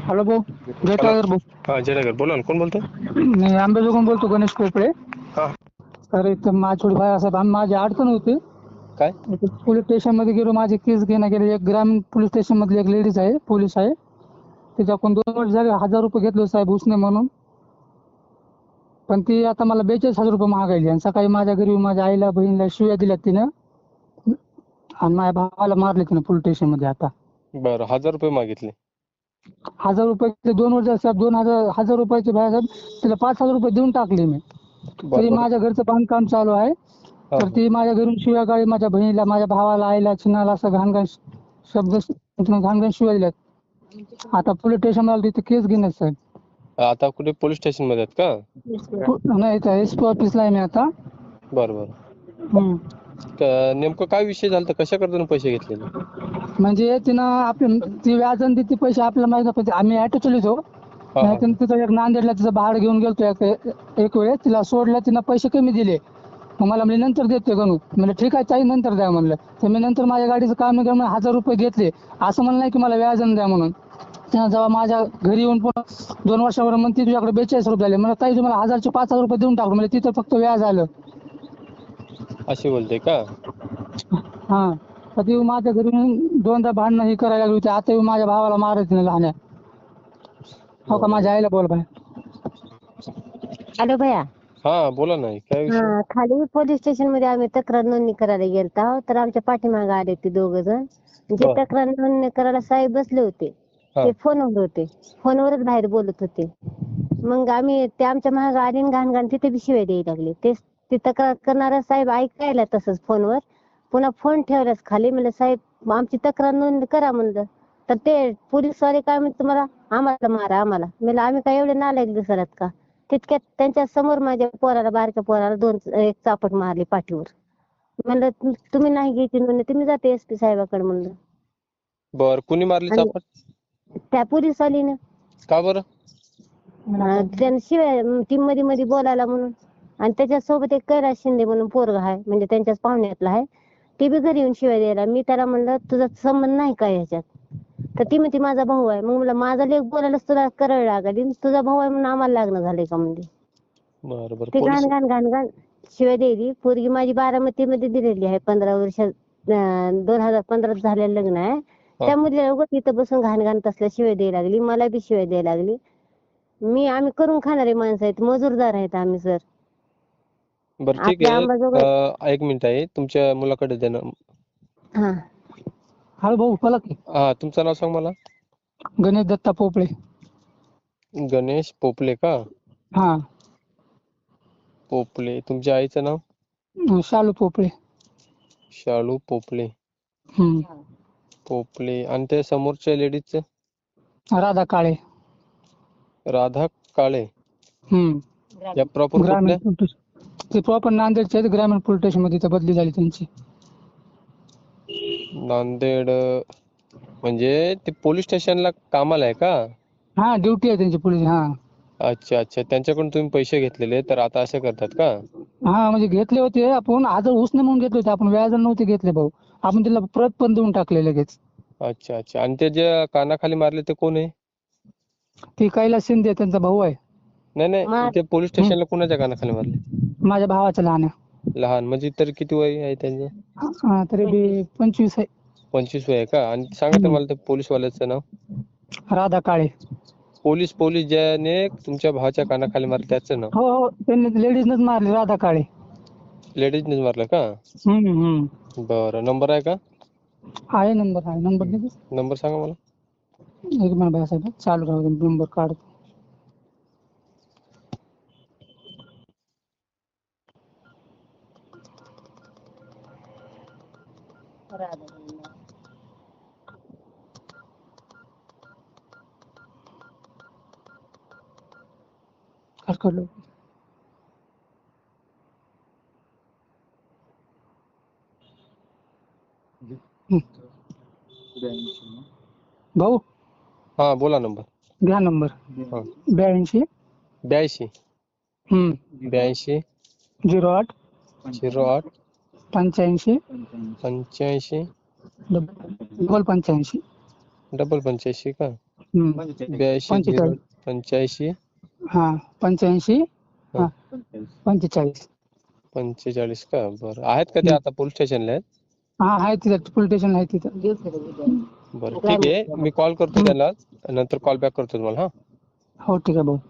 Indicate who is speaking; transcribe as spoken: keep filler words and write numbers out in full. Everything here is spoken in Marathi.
Speaker 1: हॅलो भाऊ, जय
Speaker 2: हॅलो.
Speaker 1: टायगर भाऊ.
Speaker 2: हा जयनगर बोला ना, कोण बोलतोय?
Speaker 1: मी आंबेजोगाईहून बोलतो, गणेश कोपळे.
Speaker 2: हा
Speaker 1: तर इथं माझी थोडी साहेब माझी अडचण होती.
Speaker 2: काय?
Speaker 1: पोलीस स्टेशन मध्ये गेलो, माझी केस घेण्यात गेली. एक ग्रामीण पोलीस स्टेशन मधली एक लेडीज आहे, पोलीस आहे. तिच्याकडून दोन वर्ष झाले हजार रुपये घेतले साहेब उसने म्हणून. पण ती आता मला बेचाळीस हजार रुपये मागायली. आणि सकाळी माझ्या घरी माझ्या आईला बहिणीला शिव्या दिल्यात तिनं, आणि माझ्या भावाला मारले तिनं पोलीस स्टेशन मध्ये. आता
Speaker 2: बरं, हजार रुपये मागितले.
Speaker 1: हजार रुपये दोन वर्ष साहेब, दोन हजार हजार रुपयाचे भाई साहेब, तिला पाच हजार रुपये देऊन टाकले मी.
Speaker 2: बरं
Speaker 1: तरी
Speaker 2: बरं.
Speaker 1: माझ्या घरचं बांधकाम चालू आहे.
Speaker 2: हा
Speaker 1: तर ती माझ्या घरून शिव्या गाळी, माझ्या बहिणीला, माझ्या भावाला, आईला, चिनाला असं घाण घाण शब्द घाण घाण शिव्या दिल्यात. आता पोलीस स्टेशन ला तिथे केस घेण्यात साहेब.
Speaker 2: आता कुठे पोलीस स्टेशन मध्ये आहेत का?
Speaker 1: नाही, एस पी ऑफिसला आहे मी आता.
Speaker 2: बरं बरं.
Speaker 1: हम्म.
Speaker 2: क- नेमकं काय विषय झाला, कशा करता पैसे घेतलेले?
Speaker 1: म्हणजे तिनं आपल्या ती व्याजन देते पैसे आपल्याला माहित नाही, पण आम्ही ऑटो चलितो.
Speaker 2: हा
Speaker 1: नाही
Speaker 2: हा
Speaker 1: तर तिथं एक नांदेडला तिचं भाडं घेऊन गेलतो एक एक वेळेस, तिला सोडलं, तिनं पैसे कमी दिले. मग मला म्हणजे नंतर देते गणू. म्हणजे ठीक आहे ताई, नंतर द्या म्हणलं. तर मी नंतर माझ्या गाडीचं काम करून हजार रुपये घेतले. असं म्हणलं नाही की मला व्याजन द्या म्हणून. तिनं जेव्हा माझ्या घरी येऊन पण दोन वर्षावर म्हणते तुझ्याकडे बेचाळीस रुपये आले. मला ताई तुम्हाला हजारचे पाच हजार रुपये देऊन टाकलो. म्हणजे तिथं फक्त व्याज आलं.
Speaker 2: अशी बोलते का?
Speaker 1: हा. तर ती माझ्या घरी येऊन दोनदा भांडणं ही करायला लागली होती. आता येऊन माझ्या भावाला मारायचं नाही लहान्या. हो का, माझ्या आईला बोल बाय.
Speaker 3: हॅलो भैया.
Speaker 2: हा बोला ना, काय विषय?
Speaker 3: हा, खाली पोलीस स्टेशन मध्ये आम्ही तक्रार नोंदणी करायला गेलतो. तर आमच्या पाठीमागे आले ते दोघ जण. जे
Speaker 2: बर.
Speaker 3: तक्रार नोंदणी करायला साहेब बसले होते,
Speaker 2: हा
Speaker 3: ते फोनवर होते. फोनवरच बाहेर बोलत होते. मग आम्ही ते आमच्या महाग आले आणि घाण घाण तिथे बी शिवाय द्यायला लागले. ते ती तक्रार करणारा साहेब ऐकायला तसंच फोनवर. पुन्हा फोन ठेवलाच खाली. म्हणलं साहेब आमची तक्रार नोंदणी करा म्हणलं. तर ते पोलीसवाले काय म्हणते, तुम्हाला आम्हाला मारा आम्हाला. म्हणलं आम्ही काय एवढे नालायक दिसतात का? तितक्यात त्यांच्या समोर माझ्या पोराला, बारक्या पोराला दोन एक चापट मारली पाठीवर. म्हणलं तु- तुम्ही नाही घ्यायची नोंदणी, तुम्ही जाते एस पी साहेबाकडे म्हणलं.
Speaker 2: बर, कुणी मारली
Speaker 3: आणि
Speaker 2: चापट?
Speaker 3: त्या पोलीसवालीनं
Speaker 2: का बरं?
Speaker 3: अं, त्यानं शिवाय टीम मध्ये मध्ये बोलायला म्हणून. आणि त्याच्यासोबत एक कैलास शिंदे म्हणून पोरगा आहे, म्हणजे त्यांच्याच पाहुण्यातला आहे. ते बी घरी येऊन शिवाय द्यायला. मी त्याला म्हणलं तुझा संबंध नाही का ह्याच्यात? तर ती म्हणते माझा भाऊ आहे. मग म्हणलं माझा लेक बोलायलाच तुला करायला लागली, तुझा भाऊ आहे म्हणून आम्हाला लग्न झालंय का म्हणजे.
Speaker 2: बरं बरं.
Speaker 3: ते
Speaker 2: पोलीस
Speaker 3: घाण घाण घाण घाण शिवाय द्यायली. पोरगी माझी बारामती मध्ये दिलेली आहे, पंधरा वर्ष दोन हजार पंधरात झालेलं लग्न आहे.
Speaker 2: हा.
Speaker 3: त्या मुलीला उगाच इथं बसून घाण घाण तसल्या शिवाय द्यायला लागली. मला बी शिवाय द्यायला लागली. मी आम्ही करून खाणारे माणसं आहेत, मजूरदार आहेत आम्ही सर.
Speaker 2: बरं ठीक
Speaker 3: आपल्या
Speaker 2: आहे.
Speaker 3: अंबाजोगाई.
Speaker 2: अं, एक मिनिट आहे, तुमच्या मुलाकडे द्या ना.
Speaker 3: हा,
Speaker 1: हॅलो भाऊ, बोला की.
Speaker 2: हा, तुमचं नाव सांग मला.
Speaker 1: गणेश दत्ता पोपळे.
Speaker 2: गणेश पोपले का?
Speaker 1: हा.
Speaker 2: पोपले. तुमच्या आईचं नाव?
Speaker 1: अं, शालू पोपळे.
Speaker 2: शालू पोपले.
Speaker 1: हम्म.
Speaker 2: पोपले. आणि त्या समोरच्या लेडीजचं?
Speaker 1: राधा काळे.
Speaker 2: राधा काळे.
Speaker 1: हम्म.
Speaker 2: या प्रॉपर
Speaker 1: ग्रामीण
Speaker 2: कुठल्या?
Speaker 1: पोलीस, ते प्रॉपर नांदेडचे आहेत. ग्रामीण पोलीस स्टेशन मध्ये इथं बदली झाली त्यांची.
Speaker 2: नांदेड अं, म्हणजे ते पोलीस स्टेशनला कामाला आहे का?
Speaker 1: हा, ड्युटी आहे त्यांची पोलीस. हा.
Speaker 2: अच्छा अच्छा, त्यांच्याकडून तुम्ही पैसे घेतलेले, तर आता असं करतात का?
Speaker 1: हा, म्हणजे घेतले होते आपण, हजार उसने म्हणून घेतले होते आपण, व्याजाने नव्हते घेतले भाऊ. आपण त्याला प्रत पण देऊन टाकले लगेच.
Speaker 2: अच्छा अच्छा. आणि ते जे कानाखाली मारले ते कोण आहे?
Speaker 1: ती कैलास शिंदे त्यांचा भाऊ आहे.
Speaker 2: नाही नाही,
Speaker 3: मा-
Speaker 2: इथे पोलीस स्टेशनला कोणाच्या कानाखाली मारले?
Speaker 1: माझ्या भावाचा लहान आहे.
Speaker 2: लहान म्हणजे तरी किती वय आहे त्यांचं?
Speaker 1: हा, तरी बी पंचवीस आहे.
Speaker 2: पंचवीस वय आहे का? आणि सांगा तर
Speaker 1: हम्म.
Speaker 2: मला ते पोलीसवाल्याचं नाव.
Speaker 1: राधा काळे.
Speaker 2: पोलीस पोलीस ज्याने तुमच्या भावाच्या कानाखाली मारले त्याचं नाव?
Speaker 1: हो हो, त्यांनी लेडीजनच मारली, राधा काळे.
Speaker 2: लेडीजनेच मारलं का?
Speaker 1: हम्म हम्म.
Speaker 2: बरं, नंबर आहे का?
Speaker 1: आहे नंबर, आहे नंबर देतो.
Speaker 2: नंबर सांगा मला.
Speaker 1: एक मिनिट बघा साहेब, चालू राहू दे, नंबर काढ. काढ काढलो. भाऊ
Speaker 2: हा बोला नंबर.
Speaker 1: घ्या नंबर.
Speaker 2: हा.
Speaker 1: ब्याऐंशी
Speaker 2: ब्याऐंशी
Speaker 1: हम्म
Speaker 2: ब्याऐंशी
Speaker 1: झिरो आठ
Speaker 2: झिरो आठ
Speaker 1: पंच्याऐंशी
Speaker 2: पंच्याऐंशी
Speaker 1: डबल पंच्याऐंशी.
Speaker 2: डबल पंच्याऐंशी का?
Speaker 1: हम्म.
Speaker 2: ब्याऐंशी झिरो
Speaker 1: पंचेचाळीस.
Speaker 2: पंच्याऐंशी
Speaker 1: हा पंच्याऐंशी हा पंचेचाळीस.
Speaker 2: पंचेचाळीस का? बरं, आहेत का ते आता पोलीस स्टेशनला आहेत?
Speaker 1: हा आहे तिथं पोलीस स्टेशन आहे तिथं.
Speaker 2: बरं ठीक आहे, मी कॉल करतो त्याला, नंतर कॉल बॅक करतो तुम्हाला. हा
Speaker 1: हो ठीक आहे भाऊ.